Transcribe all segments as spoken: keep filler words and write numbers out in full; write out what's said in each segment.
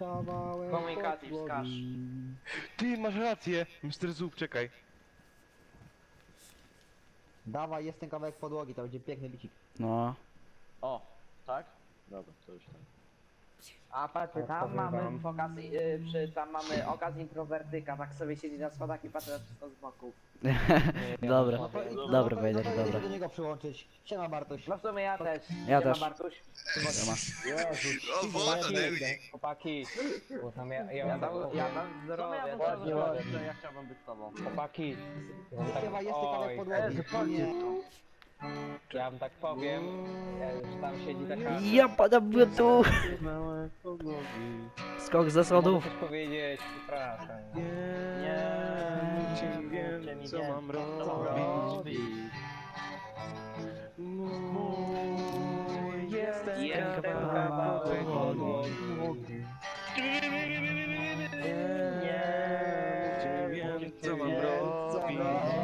Kawałek Komunikacji podłogi. wskaż. Ty, masz rację! mister Zub, czekaj. Dawaj, jest ten kawałek podłogi, to będzie piękny bicik. No. O, tak? Dobra, to już tak. A patrz, tam mamy pokaz, yy, przy, tam mamy okaz introwertyka, tak sobie siedzi na schodach i patrzy na wszystko z boku. Dobra. No to- no Dobra, to- Wejder, no to dobra. do niego przyłączyć. Siema Bartoś. No w sumie ja też. Ja Siema, też. Bartuś. O, woda, Neudi. Chłopaki, bo tam ja, ja, Ja mam tam, taką- ja tam zdrowie. Ja też ładnie, zdrowie. ładnie, że ja chciałbym być z tobą. chłopaki, ja Śpiewa, tak, jest ten kawałek oj, podłogi. Nie. ja wam tak powiem, e, że tam siedzi taka... Ja padam w tu. Małe podłogi. Skok ze Mogę schodów. coś powiedzieć, przepraszam. Nie, Nie, wiem, mówcie mi co nie, mam co robić. Mój jest ten Jest ten kawałek kawałek podłogi. Nie wiem, co mam robić.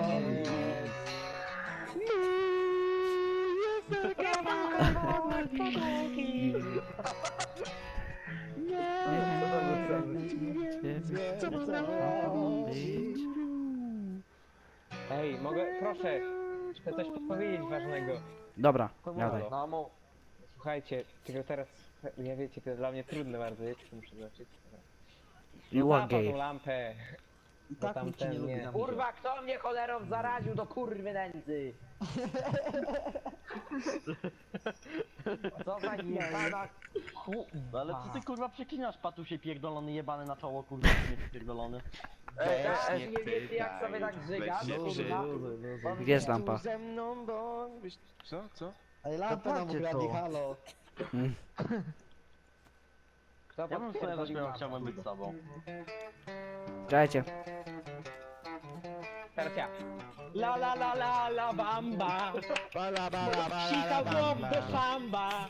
Ej, mogę, proszę, chcę coś powiedzieć ważnego. Dobra, gadaj. No mów. Słuchajcie, tylko teraz, ja wiecie, to dla mnie trudne bardzo, wiecie, co muszę zobaczyć. You No are zapal tą gay. lampę. I Bo tak tam nikt cię nie ten lubi nie. na mnie. Kurwa, kto mnie cholerą zaraził do kurwy nędzy? Co za jebana No ale co ty kurwa przeklinasz, patusie pierdolony jebany na czoło, kurwa, nie pierdolony. Ej, ej, nie wiecie jak sobie tak żygasz, kurwa? Gdzie jest lampa? Ze mną, bo... Co, co? Ej, lampę nam Popatrzcie ukradli, to. halo. Kto Ja bym sobie podpierdolił zaśpiewał, lampę? chciałbym być z tobą. Czekajcie. Teraz ja. La la la la la bamba, Bala, bala, bala, sika bala, głow do szamba.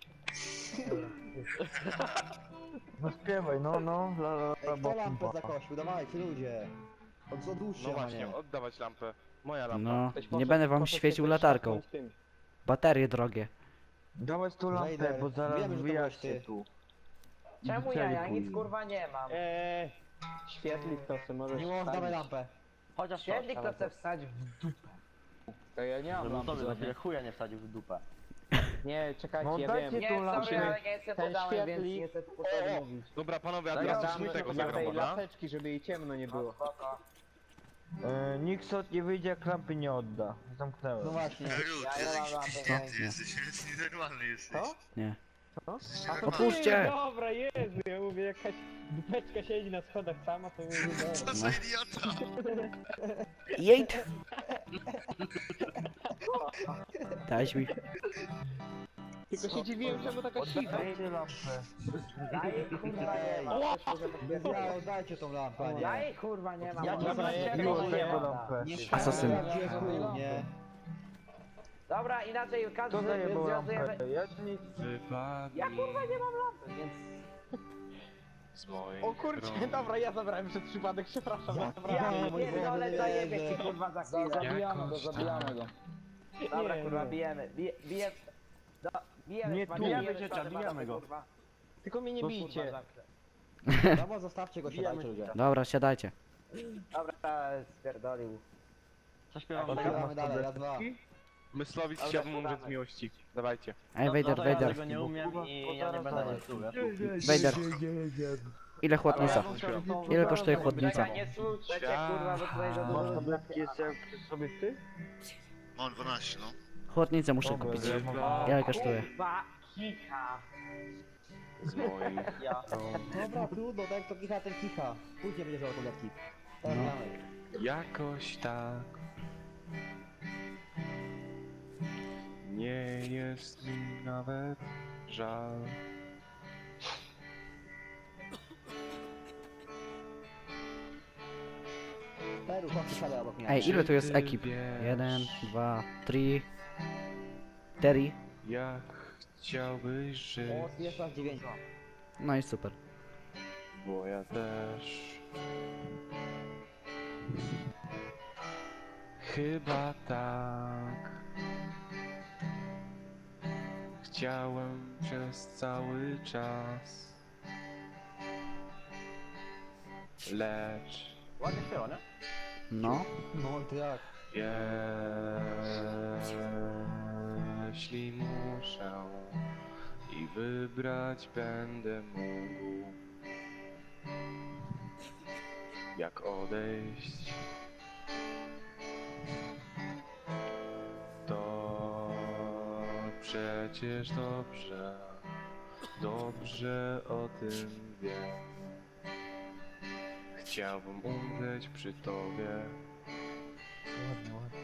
No śpiewaj, no, no, la la Ej, kto lampę zakosił? Dawajcie ludzie. Od odłóżcie, No a właśnie, nie. oddawać lampę. Moja lampa. No, Ktoś nie poszedł- będę wam poszedł świecił się latarką. szarpnąć tym. Baterie drogie. Dawać tu lampę, Wejder, bo zaraz wiemy, że to wyjaśnię byłeś ty. tu. Czemu ja? Ja nic kurwa nie mam. Eee, świetlik to sobie możesz Nie można, dawaj wstawić. lampę. Chociaż Świetlik to chce wstać w dupę. To ja nie mam Żeby lampy tobie za żadnej. chwilę chuja nie wsadził w dupę. Nie, czekajcie, No ja dajcie wiem. Nie, tu sorry, lampę. ale nie jestem Ten podałem, więc świetlik. nie chcę tu sobie mówić. Dobra panowie, a Daj teraz lampę, coś tego dla zagram, tej dobra? laseczki, żeby jej ciemno nie było. E, nikt stąd nie wyjdzie, jak lampy nie odda. Zamknęłem. No właśnie. Neudi, Ja nie mam lampy, jesteś no. święty, jesteś nienormalny jesteś. Co? Nie. Jesteś A to nienormalny. Otwórzcie! nie, dobra, Jezu, ja mówię, jakaś dupeczka siedzi na schodach sama, to mówię, dobra. Co za idiota! Jejt! Dałeś mi. Tylko się dziwiłem, czemu taka cicha. Dajcie lampę. Ja jej kurwa nie mam. Ja, dajcie tą lampę, a nie. Ja jej kurwa nie mam. Ja ona ci ma zajebiło czerwoną tego jebana. lampę. Nie Asasyn. Gdzie chuj, nie. Dobra, inaczej każdy To zajebał związuje... lampę. Ja nic. Wypadnij Ja kurwa nie mam lampy, więc... z moich O kurczę, rąk. dobra, ja zabrałem przez przypadek, przepraszam. Ja- dobra. Ja Nie, mój pierdolę, Boże, zajebie nie, ci kurwa za chwilę. Zabijamy go, zabijamy go. Dobra Nie, kurwa, nie. bijemy, bije, bije... Do, bijemy, Nie kurwa, tu, bijemy, będziecie, szkoda, bijamy go. kurwa. Tylko mnie nie Kurwa, bijcie. zamknę. Dobra, zostawcie go, siadajcie ludzie. Dobra, siadajcie. Dobra, spierdolił. Zaśpiewam Dobra, tak. Gramy dalej, raz, dwa. Myslowic Dobra, chciałbym umrzeć z podamy. miłości. Dawajcie. Ej, No Wejder, to ja Wejder. tego nie umiem i ja nie będę was słuchał. Wejder. Ile chłodnica? Ile kosztuje chłodnica? Czekaj, nie słuchajcie kurwa, bo tutaj za Masz dużo... tabletki jeszcze przy sobie ty? Mam dwanaście, no. Chłodnicę muszę Dobra, kupić. ja- Ile kosztuje? Kurwa, kicha. Z moich Ja. rąk. Dobra, trudno, tak jak to kicha, ten kicha. Później będzie żałował tabletki. Teraz No. gramy. Jakoś tak. Nie jest mi nawet żal. Peru, chodź, siadaj obok mnie. Ej, ile tu jest Czy ty ekip? wiesz, Jeden, dwa, trzy, cztery. Jak chciałbyś żyć, O, jest nas dziewięć. No i super. bo ja też. Chyba tak. Chciałem przez cały czas. Lecz Ładnie śpiewa, nie? No. No to jak? jeśli muszę i wybrać będę mógł, jak odejść, to przecież dobrze, dobrze o tym wiem. Chciałbym umrzeć przy tobie. Ładnie, ładnie.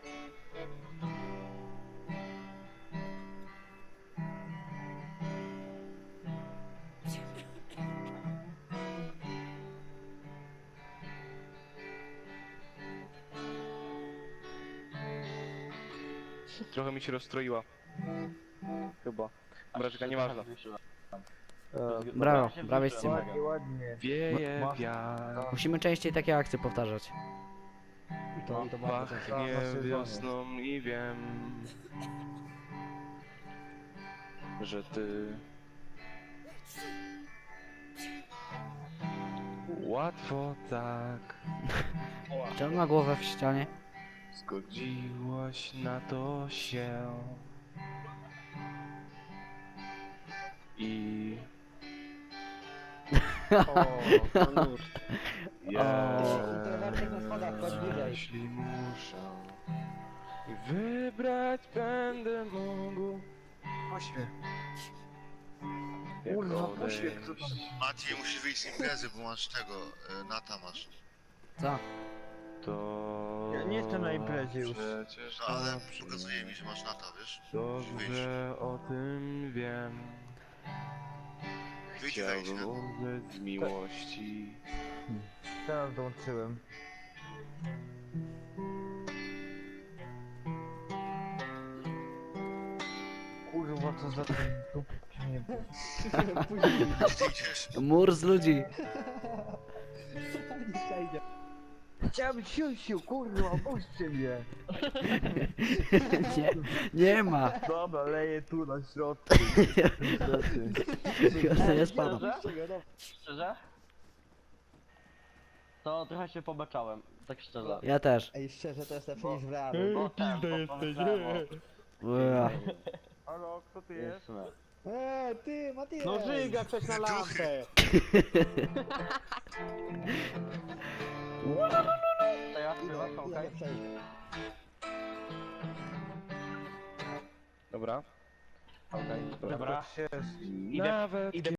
Trochę mi się rozstroiła. Chyba. Braczka, nieważne. Brawo, brawo z tym. Ładnie, ładnie. Wieje Ma- wiatr, Musimy częściej takie akcje powtarzać. To, to bardzo często. pachnie na sezonie. wiosną i wiem, że ty łatwo tak Czy on ma głowę w ścianie? zgodziłaś na to się i ja Introwertyk na schodach, chodź bliżej. jeśli muszę i wybrać będę mógł. Pośmiech. Jak Kurwa, odejść. pośmiech, co tam? Maciej, musisz wyjść z imprezy, bo masz tego, y, Nata masz. Co? To Ja nie jestem na imprezie już. Przecież No ale dobrze, pokazuje mi, że masz Nata, wiesz? Musisz wyjść. dobrze o tym wiem. Wyjdź i wejdź, Chciałbym nie? umrzeć z miłości. Teraz dołączyłem. Kurwa, co za ten dup... Nie wiem. Gdzie ty idziesz? Mur z ludzi. Nie przejdzie. Chciałem siusiu, kurwa, puśćcie mnie. Nie, nie ma. Dobra, leję tu na środku. Ja nie spadam. Szczerze? Szczerze? To trochę się pobaczałem, tak szczerze. Ja też. Ej, szczerze, to jest lepsze niż w realu. Bo ten, bo pomyślałem o- Ua. Halo, kto ty jest? Jasne. Eee, ty, Matias! No żyga coś na lampę. To ja śpiewam, Ja okej? nie przejdę. Dobra. Okej. Dobra. Się... Idę, Nawet idę